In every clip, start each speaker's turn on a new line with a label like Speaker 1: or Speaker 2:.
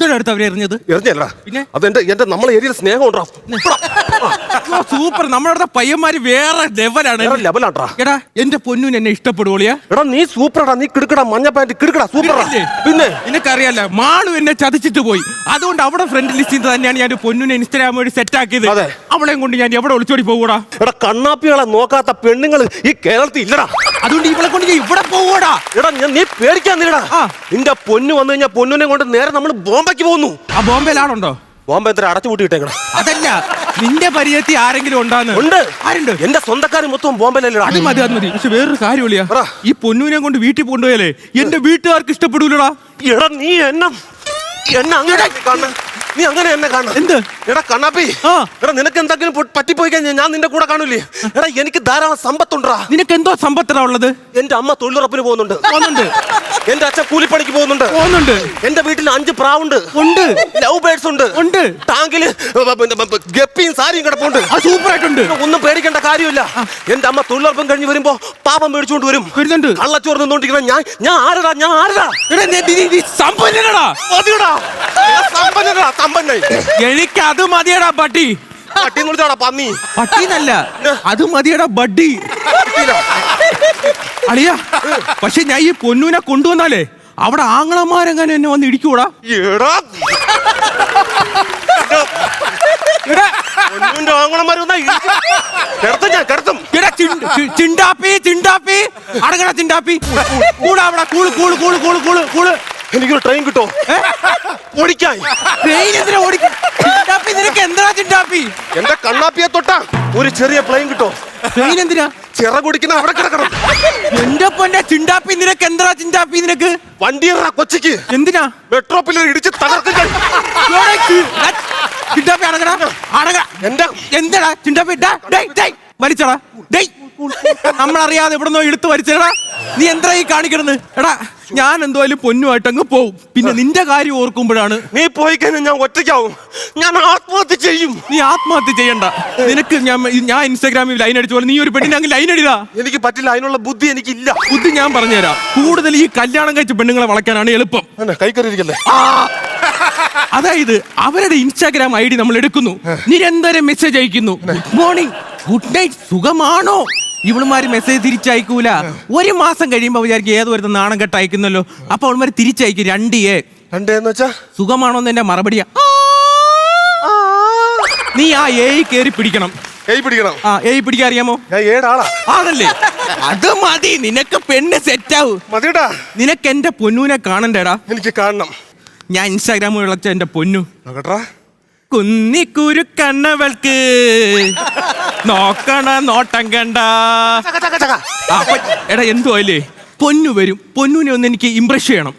Speaker 1: അടുത്ത് അവരെ എറിഞ്ഞത്
Speaker 2: എറിഞ്ഞല്ല
Speaker 1: പിന്നെ
Speaker 2: അത് എന്റെ നമ്മളെ ഏരിയയിൽ സ്നേഹം ഉണ്ടാ
Speaker 1: സൂപ്പർ. നമ്മുടെ പയ്യന്മാര് വേറെ ലെവലാണ്.
Speaker 2: ലെവലാട്ടാ.
Speaker 1: എടാ എന്റെ പൊന്നൂന് എന്നെ ഇഷ്ടപ്പെടുവോളിയാ?
Speaker 2: എടാ നീ സൂപ്പറാടാ, നീ കിടക്കടാ, മഞ്ഞ പാന്റ് കിടക്കടാ, സൂപ്പറാ. പിന്നെ
Speaker 1: നിനക്കറിയാലോ മാളു എന്നെ ചതിച്ചിട്ട് പോയി. അതുകൊണ്ട് അവിടെ ഫ്രണ്ട് ലിസ്റ്റിൽ തന്നെയാണ് ഞാൻ പൊന്നൂനെ ഇൻസ്റ്റാഗ്രാം വഴി സെറ്റ് ആക്കിയത്. അവളെയും കൊണ്ട് ഞാൻ എവിടെ ഒളിച്ചോടി പോകൂടാ?
Speaker 2: എടാ കണ്ണാപ്പികളെ നോക്കാത്ത പെണ്ണുങ്ങൾ ഈ കേരളത്തിൽ ഇല്ലടാ.
Speaker 1: അതുകൊണ്ട് ഇവളെ കൊണ്ട് ഞാൻ ഇവിടെ പോകൂടാ.
Speaker 2: എടാ നീ പേടിക്കാൻ നില്ലടാ. നിന്റെ പൊന്നു വന്നു കഴിഞ്ഞാൽ പൊന്നിനെ കൊണ്ട് നേരെ നമ്മൾ ബോംബെക്ക് പോകുന്നു.
Speaker 1: ആ ബോംബെയിലാണുണ്ടോ?
Speaker 2: ബോംബെ എത്ര അടച്ചു പൂട്ടിയിട്ടേക്കണം.
Speaker 1: അതല്ല, നിന്റെ പരിചയത്തിൽ ആരെങ്കിലും ഉണ്ടാന്ന്?
Speaker 2: ഉണ്ട്.
Speaker 1: ആരുണ്ട്?
Speaker 2: എന്റെ സ്വന്തക്കാർ മൊത്തം ബോംബെയിലല്ല.
Speaker 1: അത് മതി, അത് മതി. പക്ഷെ വേറൊരു കാര്യം വിളിയാ, ഈ പൊന്നൂനെ കൊണ്ട് വീട്ടിൽ കൊണ്ടുപോയാലേ എന്റെ വീട്ടുകാർക്ക് ഇഷ്ടപ്പെടൂലടാ.
Speaker 2: എടാ നീ എന്നെ അങ്ങനെ കാണണം. നീ അങ്ങനെ എന്നെ കാണണം.
Speaker 1: എന്ത്?
Speaker 2: എടാ കണ്ണാപ്പി, എടാ നിനക്ക് എന്തെങ്കിലും പറ്റിപ്പോയി കഴിഞ്ഞാൽ ഞാൻ നിന്റെ കൂടെ കാണൂലേ? എടാ എനിക്ക് ധാരാളം സമ്പത്തുണ്ടാ.
Speaker 1: നിനക്ക് എന്തോ സമ്പത്തടാ ഉള്ളത്?
Speaker 2: എന്റെ അമ്മ തൊഴിലുറപ്പിന് പോകുന്നുണ്ട്. എന്റെ അച്ഛൻ കൂലിപ്പണിക്ക് പോകുന്നുണ്ട്. എന്റെ വീട്ടിൽ 5 പ്രാവുണ്ട്. ലവ് ബേർഡ്സ് ഉണ്ട്. ടാങ്കില് ഗപ്പിയും സാരിയും കിടപ്പുണ്ട്.
Speaker 1: സൂപ്പർ ആയിട്ടുണ്ട്.
Speaker 2: ഒന്നും പേടിക്കേണ്ട കാര്യമില്ല. എന്റെ അമ്മ തൊഴിലുറപ്പം കഴിഞ്ഞ് വരുമ്പോ പാപം മേടിച്ചുകൊണ്ട് വരും. കള്ളച്ചോറ് നിന്നോണ്ടിരിക്കുന്ന ഞാൻ ആരടാ?
Speaker 1: എനിക്ക് അത് മതിയടാ പട്ടി.
Speaker 2: പട്ടി വിളിച്ചോടാ പന്നി.
Speaker 1: പട്ടിന്നല്ല, അത് മതിയടാ ബഡ്ഡി. അളിയാ, പക്ഷെ ഞാൻ ഈ പൊന്നൂനെ കൊണ്ടുവന്നാലേ അവിടെ ആങ്ങളമാരെങ്ങനെ എന്നെ വന്ന് ഇടിക്കൂടാ?
Speaker 2: എനിക്കൊരു ട്രെയിൻ കിട്ടോ ഓടിക്കാൻ? എന്റെ കണ്ണാപ്പിയെ തൊട്ടാ ഒരു ചെറിയ പ്ലെയിൻ കിട്ടോ?
Speaker 1: ട്രെയിൻ എന്തിനാ?
Speaker 2: ചിറ കുടിക്കുന്ന അവിടെ കിടക്കണം.
Speaker 1: എന്റെ പൊന്നെ ചിണ്ടാപ്പി, നിനക്ക് എന്താ ചിണ്ടാപ്പി? നിനക്ക്
Speaker 2: വണ്ടിയറാ കൊച്ചിക്ക്.
Speaker 1: എന്തിനാ?
Speaker 2: മെട്രോ പില്ലർ ഇടിച്ച് തകർക്കും.
Speaker 1: ചിണ്ടാപ്പി അടങ്ങടാ, എന്താടാ ചിണ്ടാപ്പി? വലിച്ചടാ. നമ്മളറിയാതെ എവിടെന്നോ എടുത്ത് വലിച്ചടാ. നീ എന്താ ഈ കാണിക്കണെന്ന്? എടാ ഞാൻ എന്തായാലും പൊന്നുമായിട്ട് അങ്ങ് പോവും. പിന്നെ നിന്റെ കാര്യം ഓർക്കുമ്പോഴാണ്.
Speaker 2: നീ പോയി കഴിഞ്ഞാൽ ഞാൻ ഒറ്റയ്ക്കാവും. ഞാൻ ആത്മഹത്യ ചെയ്യും.
Speaker 1: നീ ആത്മഹത്യ ചെയ്യണ്ട. നിനക്ക് ഞാൻ ഇൻസ്റ്റാഗ്രാമിൽ ലൈൻ അടിച്ച പോലെ നീ ഒരു പെണ്ണിനെ അങ്ങ് ലൈൻ അടിതാ.
Speaker 2: എനിക്ക് പറ്റില്ല, അതിനുള്ള ബുദ്ധി എനിക്കില്ല.
Speaker 1: ബുദ്ധി ഞാൻ പറഞ്ഞുതരാം. കൂടുതൽ ഈ കല്യാണം കഴിച്ച പെണ്ണുങ്ങളെ വളയ്ക്കാനാണ് എളുപ്പം.
Speaker 2: കൈക്കറിയിരിക്കല്ലേ?
Speaker 1: അതായത് അവരുടെ ഇൻസ്റ്റാഗ്രാം ID നമ്മൾ എടുക്കുന്നു, നിരന്തരം മെസ്സേജ് അയക്കുന്നു. ഗുഡ് മോർണിംഗ്, ഗുഡ് നൈറ്റ്, സുഖമാണോ? ഇവളുമാര് മെസ്സേജ് തിരിച്ചയക്കൂല. 1 മാസം കഴിയുമ്പോ വിചാരിക്കും ഏതോ ഒരു നാണം കെട്ട് അയക്കുന്നല്ലോ. അപ്പൊ അവളുമാര് തിരിച്ചയക്കും 2 സുഖമാണോന്ന് എന്റെ മറുപടിയാ. നീ ആ കേറി പിടിക്കണം. പിടിക്കാൻ അറിയാമോ? ആണല്ലേ? അത് മതി, നിനക്ക് പെണ്ണ് സെറ്റാവൂ. നിനക്ക് എന്റെ പൊന്നൂനെ കാണണ്ടേടാ.
Speaker 2: എനിക്ക് കാണണം.
Speaker 1: ഞാൻ ഇൻസ്റ്റാഗ്രാം വിളച്ച എന്റെ പൊന്നു കുന്നിക്കുരു കണ്ണവൾക്ക് നോക്കണ നോട്ടം കണ്ട. എടാ എന്തോ അല്ലേ, പൊന്നു വരും. പൊന്നൂനെ ഒന്ന് എനിക്ക് ഇംപ്രസ് ചെയ്യണം.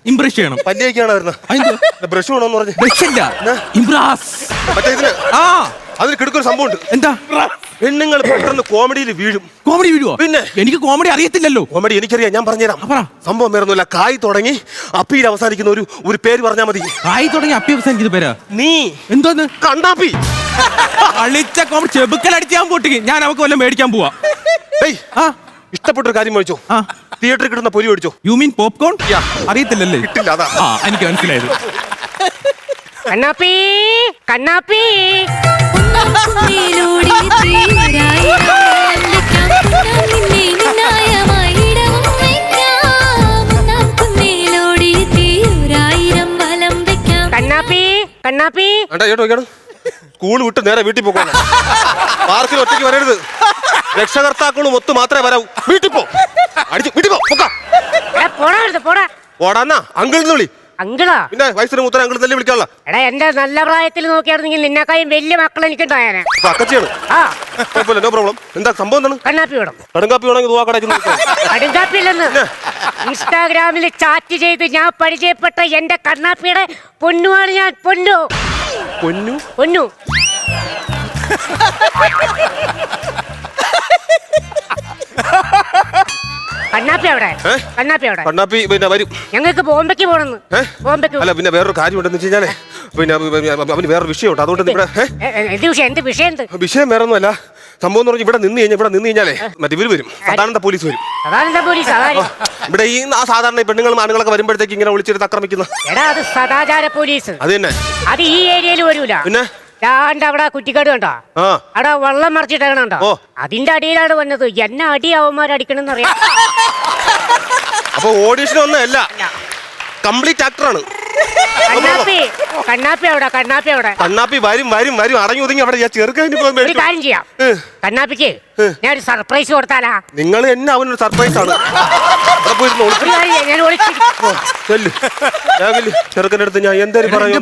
Speaker 2: അതിന് കിടക്കൊരു സംഭവം.
Speaker 1: എന്താ?
Speaker 2: പെണ്ണുങ്ങൾ പെട്ടെന്ന് കോമഡിയിൽ വീഴും.
Speaker 1: കോമഡി വീഴുവോ? പിന്നെ എനിക്ക് കോമഡി അറിയത്തില്ലല്ലോ.
Speaker 2: കോമഡി എനിക്കറിയാം, ഞാൻ പറഞ്ഞുതരാം. സംഭവം വേറൊന്നുമില്ല. കായ് തുടങ്ങി അപ്പിയിൽ അവസാനിക്കുന്ന ഒരു പേര് പറഞ്ഞാൽ മതി.
Speaker 1: കായ് തുടങ്ങി അപ്പി അവസാനിക്കുന്ന പേരാ?
Speaker 2: നീ
Speaker 1: എന്തോന്ന്?
Speaker 2: കണ്ണാപ്പി.
Speaker 1: അളിച്ച കോമഡി ചെബുക്കലടിച്ചാൻ പൊട്ടിക്ക്. ഞാൻ അവക്ക് വല്ലതും മേടിക്കാൻ പോവാ.
Speaker 2: ഇഷ്ടപ്പെട്ടൊരു കാര്യം മേടിച്ചോ? തിയേറ്ററിൽ കിട്ടുന്ന പൊരി മേടിച്ചോ?
Speaker 1: You mean popcorn? അറിയത്തില്ലല്ലേ?
Speaker 2: കിട്ടില്ല, അതാ.
Speaker 1: എനിക്ക് മനസ്സിലായത്.
Speaker 3: കണ്ണാപ്പി കണ്ണാപ്പി കണ്ണാപ്പി കണ്ണാപ്പി
Speaker 2: സ്കൂൾ വിട്ട് നേരെ വീട്ടിൽ പോകണം. പാർക്കിൽ ഒറ്റയ്ക്ക് വരരുത്. രക്ഷകർത്താക്കളും ഒത്തു മാത്രമേ വരാവൂ. വീട്ടിൽ പോ. വീട്ടിൽ പോടാന്നാ അങ്കിൾ വിളി.
Speaker 3: അങ്കിളാ?
Speaker 2: പിന്നെ വയസ്സിന് മൂത്തര അങ്കിൾ തന്നെ വിളിക്കാനുള്ള.
Speaker 3: എടാ എന്റെ നല്ല പ്രായത്തിൽ നോക്കിയായിരുന്നെങ്കിൽ നിന്നെക്കായും വലിയ മക്കൾ എനിക്കുണ്ടായാനെ.
Speaker 2: No problem. എന്താ സംഭവം? എന്താണ്?
Speaker 3: കണ്ണാപ്പി വേണം.
Speaker 2: കടുങ്കാപ്പി വേണമെങ്കിൽ
Speaker 3: കടുങ്കാപ്പി ഇല്ലെന്ന് ഇൻസ്റ്റാഗ്രാമിൽ ചാറ്റ് ചെയ്ത് ഞാൻ പരിചയപ്പെട്ട എന്റെ കണ്ണാപ്പിയുടെ പൊന്നുമാണ് ഞാൻ. പൊന്നു
Speaker 2: പൊന്നു
Speaker 3: പൊന്നു
Speaker 2: കണ്ണാപ്പി പിന്നെ വരും.
Speaker 3: ഞങ്ങൾക്ക് ബോംബെക്ക് പോണെന്ന്.
Speaker 2: അല്ല പിന്നെ വേറൊരു കാര്യം ഉണ്ടെന്ന് വെച്ച് കഴിഞ്ഞാലേ, പിന്നെ അവന് വേറൊരു വിഷയമുണ്ട്. അതുകൊണ്ട്
Speaker 3: എന്ത് വിഷയം?
Speaker 2: വിഷയം വേറൊന്നുമല്ല. സംഭവം എന്ന് പറഞ്ഞാൽ ഇവിടെ നിന്ന് കഴിഞ്ഞാലേ മറ്റേ ഇവര് വരും, സദാനന്ദ പോലീസ് വരും.
Speaker 3: സദാനന്ദ പോലീസ്
Speaker 2: ഇവിടെ ഈ സാധാരണ പെണ്ണുങ്ങളും ആണുങ്ങളൊക്കെ വരുമ്പോഴത്തേക്ക് ഇങ്ങനെ വിളിച്ചിട്ട് ആക്രമിക്കുന്ന.
Speaker 3: എടാ അത് സദാചാര പോലീസ്.
Speaker 2: അത് തന്നെ.
Speaker 3: അത് ഈ ഏരിയയിൽ വരൂല.
Speaker 2: പിന്നെ
Speaker 3: അവിടെ കുറ്റിക്കാട് കണ്ടോ, അവിടെ വെള്ളം മറിച്ചിട്ടേക്കണോ, അതിന്റെ അടിയിലാണ് വന്നത്. എന്നെ അടി അവന്മാരടിക്കണെന്ന് അറിയാം.
Speaker 2: അപ്പൊ ഓഡീഷൻ ഒന്നും അല്ല, കംപ്ലീറ്റ് ആക്ടറാണ്. കണ്ണാപ്പി വരും അടങ്ങി ഒതുങ്ങി അവിടെ ചെറുക്കതിന്
Speaker 3: ഒരു കാര്യം ചെയ്യാം, കണ്ണാപ്പിക്ക് ഞാൻ ഒരു സർപ്രൈസ് കൊടുത്താലാ?
Speaker 2: നിങ്ങൾ എന്നെ അവനൊരു സർപ്രൈസ് ആണ്. ചെറുക്കൻ്റെ അടുത്ത് ഞാൻ എന്തായാലും പറയും,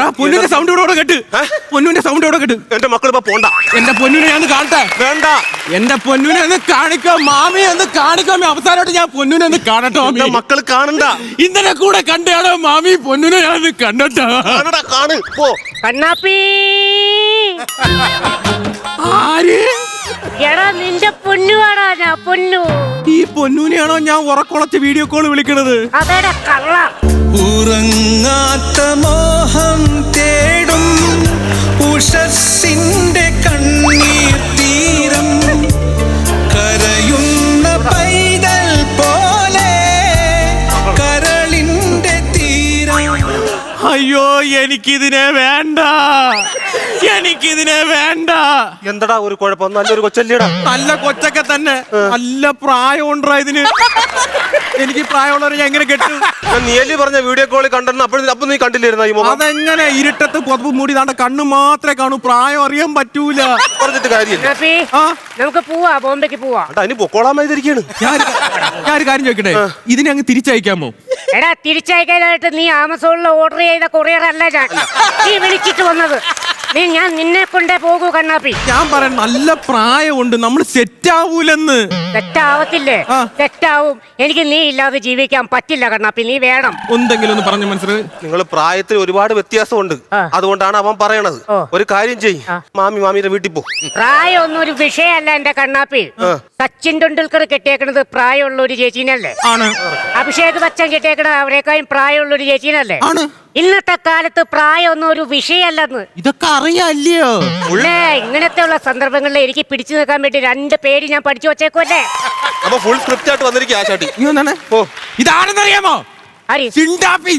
Speaker 2: എന്റെ മക്കളിപ്പോ പോണ്ട.
Speaker 1: എന്റെ പൊന്നിനെ ഞാൻ കാണട്ടെ.
Speaker 2: വേണ്ട,
Speaker 1: എന്റെ പൊന്നിനെ ഒന്ന് കാണിക്കാം മാമി, ഒന്ന് കാണിക്കാം. അവസാനമായിട്ട് ഞാൻ പൊന്നിനെ ഒന്ന് കാണട്ടോ.
Speaker 2: മക്കൾ കാണണ്ട,
Speaker 1: ഇന്നലെ കൂടെ കണ്ടാണോ മാമി പൊന്നിനെ ഞാൻ കണ്ടോ.
Speaker 2: കാണ് പോ.
Speaker 3: കണ്ണാപ്പി
Speaker 1: ആര്?
Speaker 3: എടാ നിന്റെ പൊന്നുവാടാ ഞാൻ പൊന്നു.
Speaker 1: ഈ പൊന്നൂനെയാണോ ഞാൻ ഉറക്കുളച്ച് വീഡിയോ കോൾ വിളിക്കണത്?
Speaker 3: അതേടാ കള്ള.
Speaker 4: ഉറങ്ങാത്ത മോഹം തേടും ഉഷസ്സിന്റെ കണ്ണീർ തീരം, കരയുന്ന പൈതൽ പോലെ കരളിന്റെ തീരം.
Speaker 1: അയ്യോ എനിക്കിതിനെ വേണ്ട, എനിക്കിതിനെ വേണ്ട.
Speaker 2: എന്തടാ ഒരു കുഴപ്പം? നല്ലൊരു കൊച്ചല്ലേടാ.
Speaker 1: നല്ല കൊച്ചൊക്കെ തന്നെ, നല്ല പ്രായം ഉണ്ടാ ഇതിന്. എനിക്ക് പ്രായമുള്ളവരെ ഞാൻ എങ്ങനെ കെട്ടു?
Speaker 2: നീയല്ലേ പറഞ്ഞ വീഡിയോ കോളിൽ കണ്ടെന്ന് അപ്പൊ നീ കണ്ടില്ലായിരുന്ന ഈ മുഖം?
Speaker 1: അതെങ്ങനെ ഇരുട്ടത്ത് കൊതുപ്പ് മൂടി താണ്ട കണ്ണു മാത്രമേ കാണൂ, പ്രായം അറിയാൻ പറ്റൂല.
Speaker 2: പറഞ്ഞിട്ട് കാര്യമില്ല.
Speaker 3: നമുക്ക് പോവാ, ബോംബെക്ക് പോവാ.
Speaker 2: അതിന് പൊക്കോളാമായിരിക്കാണ്.
Speaker 1: ഞാനൊരു കാര്യം ചോദിക്കട്ടെ, ഇതിനെ അങ്ങ് തിരിച്ചയക്കാമോ?
Speaker 3: എടാ തിരിച്ചയക്കാനായിട്ട് നീ ആമസോണിൽ ഓർഡർ ചെയ്ത കൊറിയർ അല്ല ഞാൻ. നീ വിളിച്ചിട്ട് വന്നത്. ഞാൻ നിന്നെ കൊണ്ടേ പോകൂ കണ്ണാപ്പി.
Speaker 1: ഞാൻ പറയാൻ നല്ല പ്രായമുണ്ട്, നമ്മൾ സെറ്റ് ആവൂലെന്ന്.
Speaker 3: സെറ്റാവത്തില്ലേ? സെറ്റാവും. എനിക്ക് നീ ഇല്ലാതെ ജീവിക്കാൻ പറ്റില്ല കണ്ണാപ്പി, നീ വേണം.
Speaker 1: എന്തെങ്കിലും ഒന്ന് പറഞ്ഞു മനസ്സിലായി.
Speaker 2: നിങ്ങൾ പ്രായത്തിൽ ഒരുപാട് വ്യത്യാസമുണ്ട്, അതുകൊണ്ടാണ് അവൻ പറയണത്. ഒരു കാര്യം ചെയ്യ്, മാമിയുടെ വീട്ടിൽ പോ.
Speaker 3: പ്രായമൊന്നും ഒരു വിഷയമല്ല എന്റെ കണ്ണാപ്പി. സച്ചിൻ ടെണ്ടുൽക്കർ കെട്ടിയേക്കണത് പ്രായമുള്ള ഒരു ചേച്ചീനല്ലേ?
Speaker 1: ആണ്.
Speaker 3: അഭിഷേക് ബച്ചൻ കെട്ടിയേക്കണത് അവരെക്കാളും പ്രായമുള്ള ഒരു ചേച്ചീനല്ലേ?
Speaker 1: ആണ്.
Speaker 3: ഇന്നത്തെ കാലത്ത് പ്രായമൊന്നും ഒരു വിഷയമല്ലെന്ന്
Speaker 1: ഇതൊക്കെ അറിയാല്ലയോ?
Speaker 3: ഇങ്ങനത്തെ ഉള്ള സന്ദർഭങ്ങളിൽ എനിക്ക് പിടിച്ചു നിൽക്കാൻ വേണ്ടി 2 പേര് ഞാൻ പഠിച്ചു വച്ചേക്കുമല്ലേ.
Speaker 2: അപ്പൊ ഫുൾ സ്ക്രിപ്റ്റ് ആയിട്ട് വന്നിരിക്കും ആശാട്ടി.
Speaker 1: ഇതാണെന്നറിയാമോ? ചിണ്ടാപ്പി.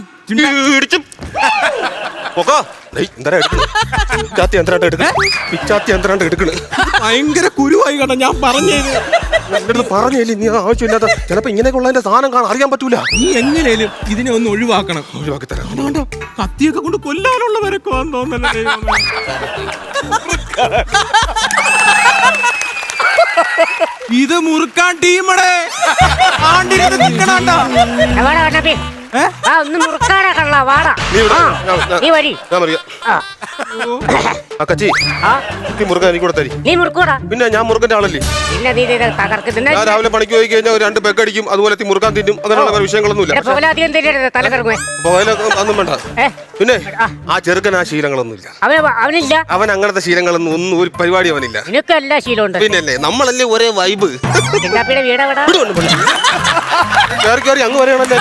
Speaker 1: ഭയങ്കര കുരുവായി കണ്ട ഞാൻ
Speaker 2: പറഞ്ഞില്ലേ, നീ ആവശ്യമില്ലാത്ത ചിലപ്പോ ഇങ്ങനെയൊക്കെ ഉള്ളതിന്റെ സാധനം കാണാൻ അറിയാൻ പറ്റൂല.
Speaker 1: നീ എങ്ങനെയാലും ഇതിനെ ഒന്ന് ഒഴിവാക്കണം.
Speaker 2: ഒഴിവാക്കി തരാം.
Speaker 1: കത്തിയൊക്കെ കൊണ്ട് കൊല്ലാനുള്ളവരൊക്കെ തോന്നല്ലേ. ഇത് മുറുക്കാൻ ടീമടെ
Speaker 3: ഒന്ന് മുറുക്കാടാ കള്ള വാടാ. നീ വരി. നീ മുറുക്കൂടാ.
Speaker 2: പിന്നെ ഞാൻ മുറുക്കന്റെ ആളല്ലേ.
Speaker 3: പിന്നെ നീ തകർക്കുന്ന
Speaker 2: ഞാൻ രാവിലെ പണിക്ക് പോയി കഴിഞ്ഞാൽ 2 പെഗ് അടിക്കും, അതുപോലെ മുറുക്കാൻ തിന്നും. അങ്ങനെയുള്ള വിഷയങ്ങളൊന്നുമില്ല.
Speaker 3: അധികം തിന്നരുത്, തലകറങ്ങും.
Speaker 2: ഒന്നും വേണ്ട. പിന്നെ ആ ചെറുക്കൻ ആ ശീലങ്ങളൊന്നുമില്ല.
Speaker 3: അവനില്ല.
Speaker 2: അവൻ അങ്ങനത്തെ ശീലങ്ങളൊന്നും ഒന്നും ഒരു പരിപാടി അവനില്ല.
Speaker 3: നിനക്ക് എല്ലാ ശീലമുണ്ട്.
Speaker 2: പിന്നല്ലേ നമ്മളല്ലേ ഒരേ വൈബ്.
Speaker 3: വീട്
Speaker 2: കയറി അങ്ങ് വരെയാണല്ലേ.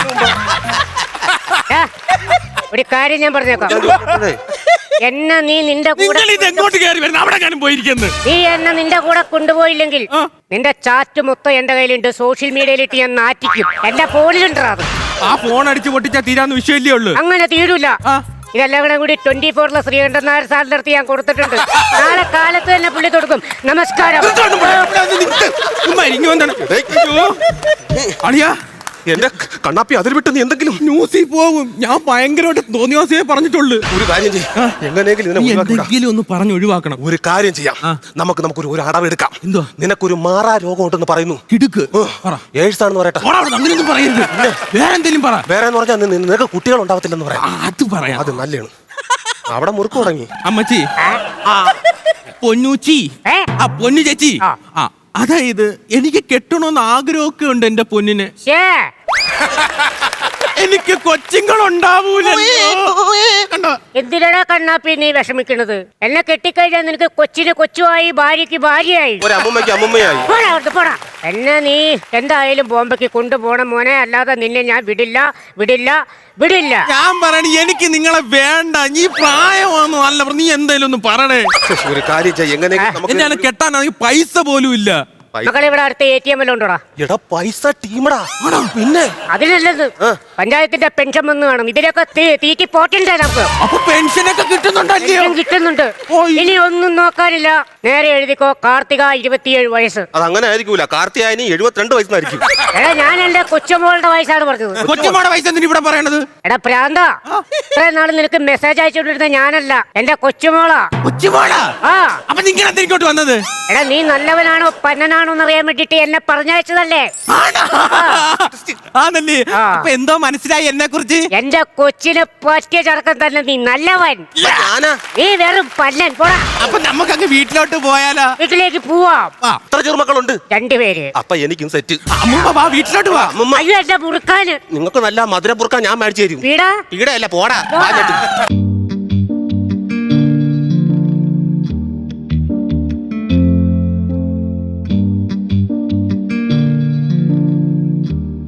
Speaker 3: ഒരു കാര്യം ഞാൻ പറഞ്ഞേക്കാം, എന്നെ നീ നിന്റെ കൂടെ നീ എന്നെ നിന്റെ കൂടെ കൊണ്ടുപോയില്ലെങ്കിൽ നിന്റെ ചാറ്റ് മൊത്തം എന്റെ കയ്യിലുണ്ട്. സോഷ്യൽ മീഡിയയിലിട്ട് ഞാൻ നാറ്റിക്കും. എന്റെ ഫോണിലുണ്ടാ.
Speaker 1: ആ ഫോൺ അടിച്ചു പൊട്ടിച്ചാ തീരാന്ന് വിഷയമല്ലേ ഉള്ളു.
Speaker 3: അങ്ങനെ തീരൂല. ഇതെല്ലാം കൂടി 24 ശ്രീകണ്ഠൻ നായർ സാറിന്റെ അടുത്ത് ഞാൻ കൊടുത്തിട്ടുണ്ട്. നാളെ കാലത്ത് തന്നെ പുള്ളി കൊടുക്കും. നമസ്കാരം.
Speaker 1: അളിയാ
Speaker 2: എന്റെ കണ്ണാപ്പി അതിൽ വിട്ട് നീ എന്തെങ്കിലും
Speaker 1: ന്യൂസിൽ പോകും. ഞാൻ ഭയങ്കരമായിട്ട് തോന്നിയാസേ പറഞ്ഞിട്ടുള്ളൂ.
Speaker 2: ഒരു കാര്യം ചെയ്യാം,
Speaker 1: എന്തെങ്കിലും ഒന്ന് പറഞ്ഞു ഒഴിവാക്കണം.
Speaker 2: ഒരു കാര്യം ചെയ്യാം, നമുക്കൊരു അടവെടുക്കാം. എന്തോ നിനക്കൊരു മാറാ രോഗം ഉണ്ടെന്ന് പറയുന്നു.
Speaker 1: കിടുക്ക്
Speaker 2: ഏഴ്സാണെന്ന് പറയട്ടെ.
Speaker 1: അങ്ങനെയൊന്നും പറയരുത്. വേറെ എന്തെങ്കിലും പറ.
Speaker 2: വേറെ എന്ന് പറഞ്ഞാൽ നിനക്ക് കുട്ടികൾ ഉണ്ടാവത്തില്ലെന്ന് പറയാം.
Speaker 1: അത് പറയാം.
Speaker 2: അത് നല്ലതാണ്. അവിടെ മുറുക്ക് തുടങ്ങി.
Speaker 1: അമ്മച്ചി, പൊന്നൂച്ചി, പൊന്നു ചേച്ചി, അതായത് എനിക്ക് കെട്ടണമെന്ന് ആഗ്രഹമൊക്കെ ഉണ്ട് എന്റെ പൊന്നിന്. എനിക്ക് കൊച്ചുങ്ങൾ ഉണ്ടാവൂലല്ലോ.
Speaker 3: എന്തിനാ കണ്ണാപ്പി നീ വിഷമിക്കണത്? എന്നെ കെട്ടിക്കഴിഞ്ഞാൽ നിനക്ക് കൊച്ചിന് കൊച്ചുമായി ഭാര്യക്ക് ഭാര്യയായി.
Speaker 2: ഒരു അമ്മുമ്മയ്ക്ക് അമ്മുമ്മയായി.
Speaker 3: പോടാ അവിടുന്ന് പോടാ. എന്നെ നീ എന്തായാലും ബോംബെക്ക് കൊണ്ടുപോകണം മോനെ, അല്ലാതെ നിന്നെ ഞാൻ വിടില്ല വിടില്ല വിടില്ല.
Speaker 1: ഞാൻ പറയണ എനിക്ക് നിങ്ങളെ വേണ്ട. നീ പ്രായമാണെന്ന് അല്ല, നീ എന്തായാലും ഒന്ന് പറയണേ.
Speaker 2: ഒരു കാര്യം ചെയ്യ്, എങ്ങനെയെങ്കിലും
Speaker 1: എന്നെ കെട്ടാനാണെങ്കിൽ പൈസ പോലും ഇല്ല.
Speaker 3: മക്കളെ ഇവിടെ അടുത്ത ATM ഉണ്ടോടാ?
Speaker 2: എടാ പൈസ ടീമടാ. പിന്നെ
Speaker 3: അതിനല്ലത് പഞ്ചായത്തിന്റെ പെൻഷൻ വന്ന് കാണും. ഇതിലൊക്കെ തീറ്റി പോറ്റണ്ടേ നമുക്ക്?
Speaker 1: അപ്പൊ പെൻഷനൊക്കെ കിട്ടുന്നുണ്ടല്ലോ.
Speaker 3: പെൻഷൻ കിട്ടുന്നുണ്ട്. ഇനി ഒന്നും നോക്കാനില്ല, നേരെ എഴുതിക്കോ, കാർത്തിക 27 വയസ്സ്.
Speaker 2: അത് അങ്ങനെ ആയിരിക്കൂല, കാർത്തിയായനി 72 വയസ്സായിരിക്കും.
Speaker 3: എടാ ഞാൻ എന്റെ കൊച്ചുമോളുടെ വയസ്സാണ് പറഞ്ഞത്.
Speaker 1: കൊച്ചുമോടെ വയസ്സ് എന്തിനാ ഇവിടെ പറയണത്?
Speaker 3: എടാ പ്രാന്ത, ഇത്രയും നാള് നിനക്ക് മെസ്സേജ് അയച്ചുകൊണ്ടിരുന്ന ഞാനല്ല, എന്റെ കൊച്ചുമോളാ.
Speaker 1: കൊച്ചുമോളാ?
Speaker 3: ആ
Speaker 1: അപ്പൊ നിങ്ങൾ എന്തിനോട്ട് വന്നത്?
Speaker 3: എടാ നീ നല്ലവനാണോ പന്നനാണോ എന്നറിയാൻ വേണ്ടിട്ട് എന്നെ പറഞ്ഞയച്ചതല്ലേ?
Speaker 1: ആണല്ലേ? അപ്പൊ എന്തോ മനസ്സിലായി എന്നെ കുറിച്ച്?
Speaker 3: എന്റെ കൊച്ചിനെ പറ്റിയ ചടക്കം തന്നെ നീ നല്ലവൻ.
Speaker 2: ഞാനാ?
Speaker 3: നീ വെറും പല്ലൻ. പോടാ.
Speaker 1: അപ്പൊ നമുക്കങ്ങ് വീട്ടിലോട്ട് പോയാലോ?
Speaker 3: വീട്ടിലേക്ക് പോവാം.
Speaker 2: എത്ര ചെറുമക്കളുണ്ട്?
Speaker 3: 2 പേര്.
Speaker 2: അപ്പൊ എനിക്കും സെറ്റ്.
Speaker 1: അമ്മൂമ്മ വാ, വീട്ടിലോട്ട് വാ.
Speaker 2: അമ്മുമ്മ,
Speaker 3: അയ്യോ എന്റെ മുറുക്കാന്.
Speaker 2: നിങ്ങൾക്ക് നല്ല മധുര പുറുക്കാൻ ഞാൻ മേടിച്ചു തരും.
Speaker 3: വീടാ
Speaker 2: ഈടല്ല, പോടാ.